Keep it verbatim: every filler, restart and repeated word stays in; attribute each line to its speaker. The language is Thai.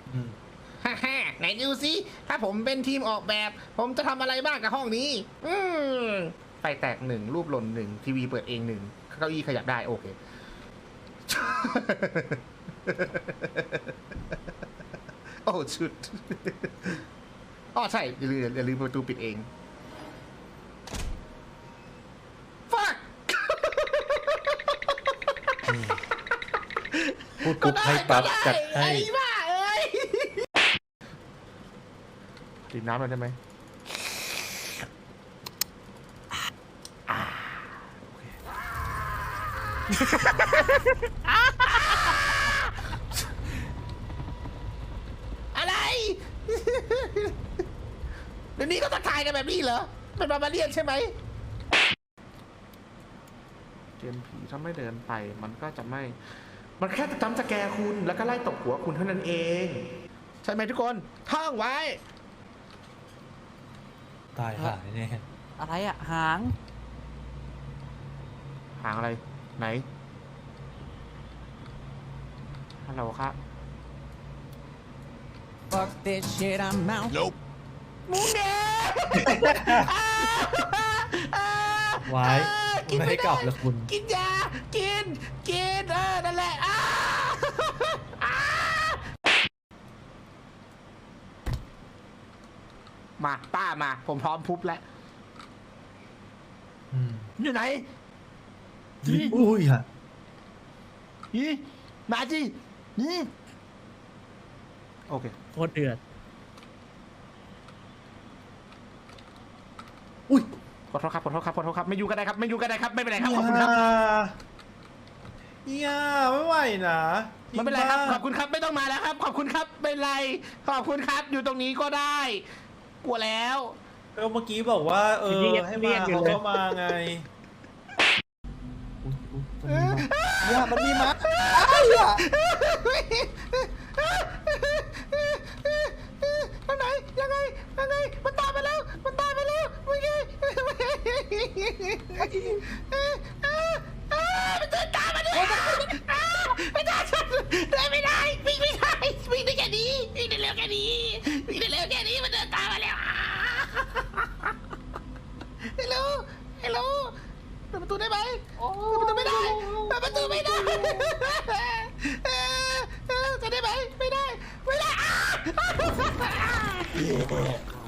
Speaker 1: ฮ่าฮ่าไหนดูสิถ้าผมเป็นทีมออกแบบ ผมจะทำอะไรบ้างกับห้องนี้ อืมไฟแตกหนึ่งรูปหล่นหนึ่งทีวีเปิดเองหนึ่งเก้าอี้ขยับได้โอเค โอ้ชุดอ๋อใช่อย่าลืมอย่าลืมประตูปิดเอง fuck
Speaker 2: พูดปุ๊บให้ปั๊บจัดให้
Speaker 1: ไอ้บ้าเอ้ยดื่มน้ำหน่อยได้ไหมอะไร เดี๋ยวนี้ก็ทักทายกันแบบนี้เหรอ เป็นบาบาเลียนใช่ไหมเกมผีถ้าไม่เดินไปมันก็จะไม่ มันแค่จำสแกร์คุณแล้วก็ไล่ตบหัวคุณเท่านั้นเอง ใช่ไหมทุกคนท่องไว้
Speaker 2: ตายหายเนี่ย
Speaker 3: อะไรอะหาง
Speaker 1: หางอะไร ไหน ฮัลโหลครับ
Speaker 3: Fuck this shit I'm out
Speaker 4: Nope
Speaker 1: มุ้งเด้
Speaker 2: ไว้ไม่ให้กลับแล้วคุณ
Speaker 1: กินยา กิน กิน เออ นั่นแหละอ้าอ้ามาป้ามา ผมพร้อมพุบแล้ว
Speaker 2: อืม
Speaker 1: อยู่ไหน
Speaker 2: อุ้ยฮะ
Speaker 1: นี่มาจินี่โอเค
Speaker 5: โคตรเดือด
Speaker 2: อุ้ย
Speaker 1: ขอโทษครับ ขอโทษครับ ขอโทษครับ ไม่อยู่ก็ได้ครับ ไม่อยู่ก็ได้ครับ ไม่เป็นไรครับ ขอบคุณครับ
Speaker 2: อย่าไม่ไหวนะ
Speaker 1: ไม่เป็นไรครับ ขอบคุณครับ ไม่ต้องมาแล้วครับ ขอบคุณครับ ไม่เป็นไร ขอบคุณครับ อยู่ตรงนี้ก็ได้ กลัวแล้ว
Speaker 2: ก็เมื่อกี้บอกว่า เออ ให้มาเขาก็มาไงอย่ามันมีมั้ยอย่า
Speaker 1: ทางไหนยังไงยังไงมันตามไปแล้วมันตามไปแล้วเมื่อกี้มันเดินตามมาด้วยไม่ได้เดินไม่ได้วิ่งไม่ได้วิ่งได้แค่นี้วิ่งได้เร็วแค่นี้วิ่งได้เร็วแค่นี้มันเดินตามมาแล้วฮัลโหลฮัลโหลเปิดประตูได้ไหมเปิดประตูไม่ได้เปิดประตูไม่ได้จะได้ไหมไม่ได้ไม่ได้